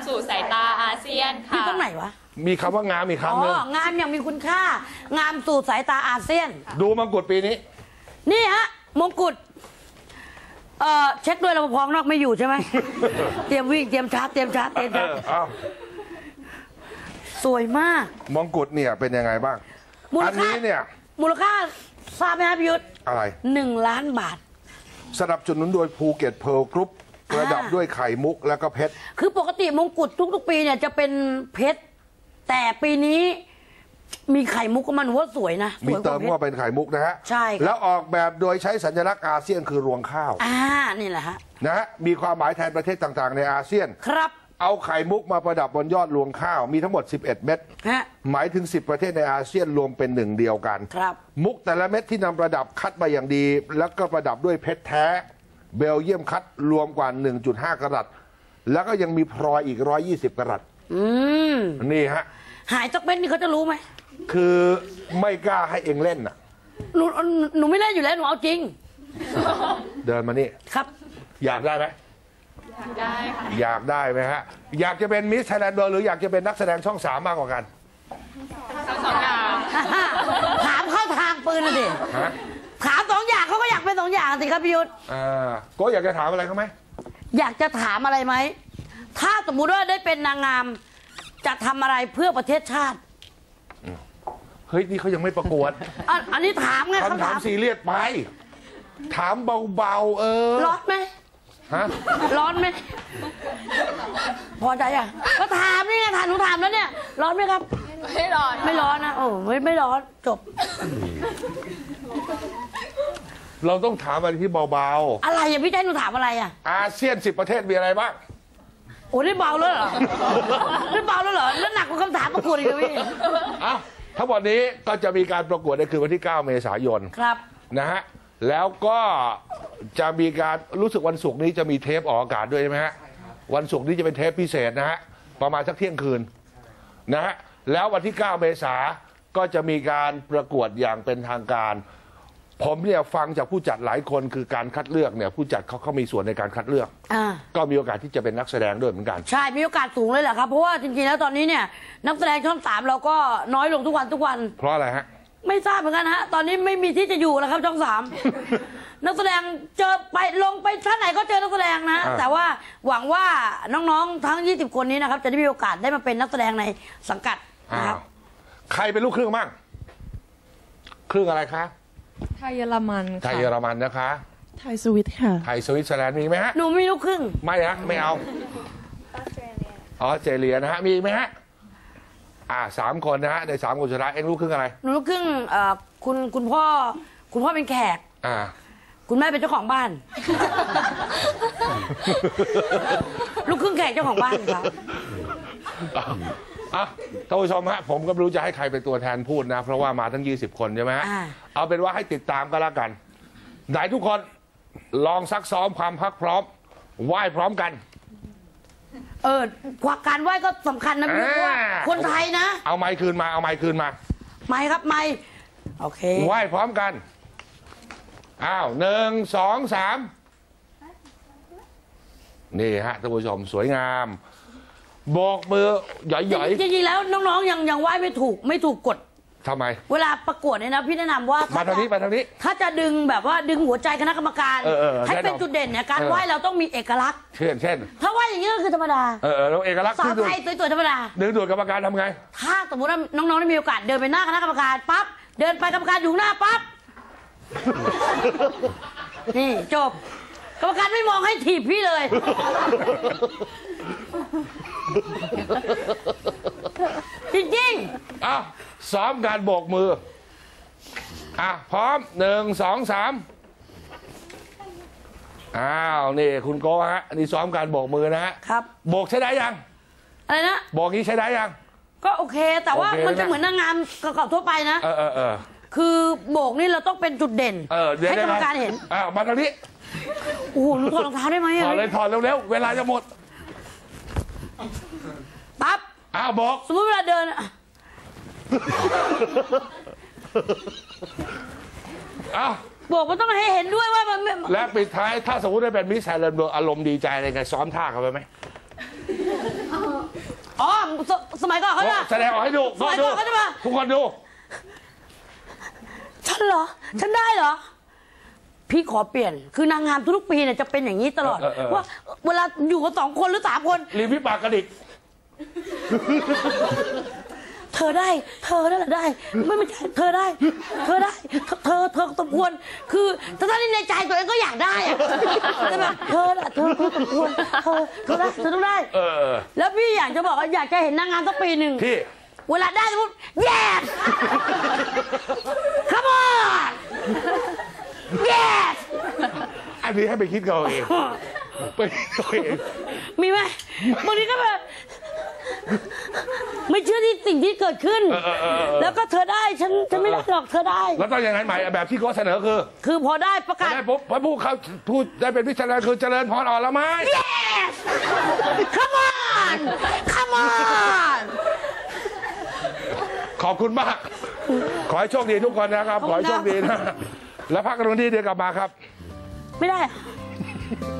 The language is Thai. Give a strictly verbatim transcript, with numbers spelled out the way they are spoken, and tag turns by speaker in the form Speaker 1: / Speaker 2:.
Speaker 1: สู่สายตาอาเซียนค่ะ
Speaker 2: ตรงไหนวะ
Speaker 3: มีคำว่างามอีกคำหนึ่ง
Speaker 2: อ๋องามอย่างมีคุณค่างามสู่สายตาอาเซียน
Speaker 3: ดูมงกุฎปีนี้
Speaker 2: นี่ฮะมงกุฎเอ่อเช็คด้วยรปภนอกไม่อยู่ใช่ไหม เตรียมวิ่งเตรียมชาร์จเตรียมชาร์จเตรียมชาร์จสวยมาก
Speaker 3: มงกุฎเนี่ยเป็นยังไงบ้างอันนี้เนี่ย
Speaker 2: มูลค่าทราบไหมครับยุทธ
Speaker 3: อะไร
Speaker 2: หนึ่งล้านบาท
Speaker 3: สนับสนุนโดยภูเก็ตเพร์ลกรุ๊ปประดับด้วยไข่มุกแล้วก็เพชร
Speaker 2: คือปกติมงกุฎทุกๆปีเนี่ยจะเป็นเพชรแต่ปีนี้มีไข่มุกก็มันว่าสวยนะ
Speaker 3: มีเติมว่าเป็นไข่มุกนะฮะ
Speaker 2: ใช่
Speaker 3: แล้วออกแบบโดยใช้สัญลักษณ์อาเซียนคือรวงข้าว
Speaker 2: อ่านี่แหละฮะ
Speaker 3: นะฮะมีความหมายแทนประเทศต่างๆในอาเซียน
Speaker 2: ครับ
Speaker 3: เอาไข่มุกมาประดับบนยอดรวงข้าวมีทั้งหมดสิบเอ็ดเม็ดหมายถึงสิบประเทศในอาเซียนรวมเป็นหนึ่งเดียวกัน
Speaker 2: ครับ
Speaker 3: มุกแต่ละเม็ดที่นำประดับคัดมาอย่างดีแล้วก็ประดับด้วยเพชรแท้เบลเยียมคัดรวมกว่า หนึ่งจุดห้า กะรัตแล้วก็ยังมีพลอยอีกหนึ่งร้อยยี่สิบกะรัต
Speaker 2: อืม
Speaker 3: นี่ฮะ
Speaker 2: หายจากเม็ดนี่เขาจะรู้ไหม
Speaker 3: คือไม่กล้าให้เองเล่นน่ะ
Speaker 2: หนูหนูไม่เล่นอยู่แล้วหนูเอาจริง
Speaker 3: เดินมานี่
Speaker 2: ครับ
Speaker 3: อยากได้ไหม
Speaker 1: อยากได้ค่ะ
Speaker 3: อยากได้ไหมฮะอยากจะเป็นมิสไทยแลนด์หรืออยากจะเป็นนักแสดงช่องสามมากกว่ากัน
Speaker 1: ทั้งสองอย่าง
Speaker 2: ถามเข้าทางปืนเลยดิถามสองอย่างเขาก็อยากเป็นสองอย่างสิครับพี่ยุทธ
Speaker 3: อ่าก็อยากจะถามอะไรเขาไหม
Speaker 2: อยากจะถามอะไรไหมถ้าสมมุติว่าได้เป็นนางงามจะทำอะไรเพื่อประเทศชาติ
Speaker 3: เฮ้ยนี่เขายังไม่ประกวด
Speaker 2: อันนี้ถามไง
Speaker 3: คำถามซีเรียสไปถามเบาๆเออ
Speaker 2: ร้อนไหม
Speaker 3: ฮะ
Speaker 2: ร้อนไหมพอใจอ่ะก็ถามนี่ไงถามหนูถามแล้วเนี่ยร้อนไหมครับ
Speaker 1: ไม่ร้อน
Speaker 2: ไม่ร้อนนะโอ้ไม่ไม่ร้อนจบ
Speaker 3: เราต้องถามอะไรที่เบา
Speaker 2: ๆอะไรอ่ะพี่ใจหนูถามอะไรอ่ะ
Speaker 3: อาเซียนสิบประเทศมีอะไรบ้าง
Speaker 2: โอ้ได้เบาแล้วเหรอได้เบาแล้วเหรอแล้วหนักกว่าคำถามประกวดอีกเลยพี่
Speaker 3: อ้าวทั้งหมดนี้ก็จะมีการประกวดในคืนวันที่เก้าเมษายน
Speaker 2: ครับ
Speaker 3: นะฮะแล้วก็จะมีการรู้สึกวันศุกร์นี้จะมีเทปออกอากาศด้วยใช่ไหมฮะวันศุกร์นี้จะเป็นเทปพิเศษนะฮะประมาณสักเที่ยงคืนนะฮะแล้ววันที่เก้าเมษาก็จะมีการประกวดอย่างเป็นทางการผมเนี่ยฟังจากผู้จัดหลายคนคือการคัดเลือกเนี่ยผู้จัดเขาเขามีส่วนในการคัดเลือกก็มีโอกาสที่จะเป็นนักแสดงด้วยเหมือนกัน
Speaker 2: ใช่มีโอกาสสูงเลยแหละครับเพราะว่าจริงๆแล้วตอนนี้เนี่ยนักแสดงช่องสามเราก็น้อยลงทุกวันทุกวัน
Speaker 3: เพราะอะไรฮะ
Speaker 2: ไม่ทราบเหมือนกันฮะตอนนี้ไม่มีที่จะอยู่แล้วครับช่องสาม นักแสดงเจอไปลงไปท่านไหนก็เจอนักแสดงนะแต่ว่าหวังว่าน้องๆทั้งยี่สิบคนนี้นะครับจะได้มีโอกาสได้มาเป็นนักแสดงในสังกัดนะครับ
Speaker 3: ใครเป็นลูกครึ่งบ้างครึ่งอะไรคะ
Speaker 4: ไทยเยอรมัน
Speaker 3: ไทยเยอรมันนะคะ
Speaker 4: ไทยสวิตค่ะ
Speaker 3: ไทยสวิตเซอร์แลนด์มีไหมฮะ
Speaker 2: หนูไม่ลูกครึ่ง
Speaker 3: ไม่ฮะไม่เอาออสเตรเลียนะฮะมีไหมฮะอ่าสามคนนะฮะในสามคนสุดท้ายเอ็งลูกครึ่งอะไร
Speaker 2: หนูลูกครึ่งเอ่อคุณคุณพ่อคุณพ่อเป็นแขก
Speaker 3: อ่า
Speaker 2: คุณแม่เป็นเจ้าของบ้านลูกครึ่งแขกเจ้าของบ้านครับ
Speaker 3: อ่ะท่านผู้ชมฮะผมก็ไม่รู้จะให้ใครเป็นตัวแทนพูดนะเพราะว่ามาทั้งยี่สิบคนใช่ไหมฮะเอาเป็นว่าให้ติดตามก็แล้วกันไหนทุกคนลองซักซ้อมความพักพร้อมไหว้พร้อมกัน
Speaker 2: เออการไหว้ก็สำคัญนะพี่ว่าคนไทยนะ
Speaker 3: เอาไม้คืนมาเอาไม้คืนมา
Speaker 2: ไม้ครับไม้โอเค
Speaker 3: ไหว้พร้อมกันอ้าวหนึ่งสองสามนี่ฮะท่านผู้ชมสวยงามโบกมือหย่อย
Speaker 2: ๆจริงๆแล้วน้องๆยังยังไหว้ไม่ถูกไม่ถูกกฎ
Speaker 3: ทำไม
Speaker 2: เวลาประกวดเนี่ยนะพี่แนะนำว่า
Speaker 3: มาทางนี้มาทางนี้
Speaker 2: ถ้าจะดึงแบบว่าดึงหัวใจคณะกรรมการให้เป็นจุดเด่นเนี่ยการไหว้เราต้องมีเอกลักษณ์
Speaker 3: เช่นเช่น
Speaker 2: ถ้าไหว้อย่างนี้ก็คือธรรมดา
Speaker 3: เออเราเอกลักษณ์
Speaker 2: สาวไทยสวยๆธรรมดา
Speaker 3: ดึงดูดกรรมการทำไง
Speaker 2: ถ้าสมมติว่าน้องๆได้มีโอกาสเดินไปหน้าคณะกรรมการปั๊บเดินไปกรรมการอยู่หน้าปั๊บนี่จบกรรมการไม่มองให้ถีบพี่เลยจริง
Speaker 3: ๆอ้าวซ้อมการโบกมืออ่ะพร้อมหนึ่งสองสามอ้าวนี่คุณโก้ฮะนี่ซ้อมการโบกมือนะฮะ
Speaker 2: ครับ
Speaker 3: โบกใช้ได้ยัง
Speaker 2: อะไรนะ
Speaker 3: โบกนี้ใช้ได้ยัง
Speaker 2: ก็โอเคแต่ว่ามันจะเหมือนนางงามประกอบทั่วไปนะ
Speaker 3: เออเออเออ
Speaker 2: คือโบกนี่เราต้องเป็นจุดเด่นให้กรรมการเห็น
Speaker 3: อ้าวมาทางนี้
Speaker 2: โอ้โหหนูถอดรองเท้าได้ไหม
Speaker 3: ถอดเลยถอดเร็วๆเวลาจะหมด
Speaker 2: ปั๊บ
Speaker 3: อ้าวบอก
Speaker 2: สมมติเวลาเดิน
Speaker 3: อ้าว
Speaker 2: บอกมันต้องให้เห็นด้วยว่ามัน
Speaker 3: และปิดท้ายถ้าสมมติได้เป็นมิสไทยแลนด์อารมณ์ดีใจอะไรไงซ้อมท่าเขาไปไหม
Speaker 2: อ๋อสสมัยก่อนเขาจะ
Speaker 3: แสดงออกให้ดู
Speaker 2: สมัยก่อนเขาจะมา
Speaker 3: ทุกคนดู
Speaker 2: ฉันเหรอ ฉันได้เหรอ พี่ขอเปลี่ยน คือนางงามทุกๆปีเนี่ยจะเป็นอย่างนี้ตลอด
Speaker 3: เออเออเออ
Speaker 2: ว่าเวลาอยู่กันสองคนหรือสามคน
Speaker 3: ริมพี่ปากกระดิก
Speaker 2: เธอได้ เธอนั่นแหละได้ ไม่ไม่ใช่เธอได้ เธอได้ เธอ เธอสมควร คือถ้าท่านในใจตัวเองก็อยากได้อะแต่แบบเธอน่ะเธอเธอสมควร เธอ เธอได้ เธอต้องได้
Speaker 3: เออ
Speaker 2: แล้วพี่อยากจะบอกว่าอยากจะเห็นนางงามสักปีหนึ่ง
Speaker 3: พี่
Speaker 2: เวลาได้สมมติ yes come on yes
Speaker 3: อันนี้ให้ไปคิดกันเอาเองไปคิดเอาเอง
Speaker 2: มีไหมบางทีก็แบบไม่เชื่อที่สิ่งที่เกิดขึ้น
Speaker 3: เออเออเออเออ
Speaker 2: แล้วก็เธอได้ฉันฉันไม่ได้หรอกเธอได้
Speaker 3: แล้วต้องยังไงใหม่แบบที่เขาเสนอคือ
Speaker 2: คือพอได้ประ
Speaker 3: พ
Speaker 2: กา
Speaker 3: อ
Speaker 2: ศ
Speaker 3: ได้ปุ๊บพอพูดเขาพูดได้เป็นพิจารณาคือเจริญพรอ่อนละไม้
Speaker 2: yes come on come on
Speaker 3: ขอบคุณมาก ขอให้โชคดีทุกคนนะครับ ขอให้โชคดีนะ แล้วพักกันตรงนี้เดี๋ยวกลับมาครับ
Speaker 2: ไม่ได้อะ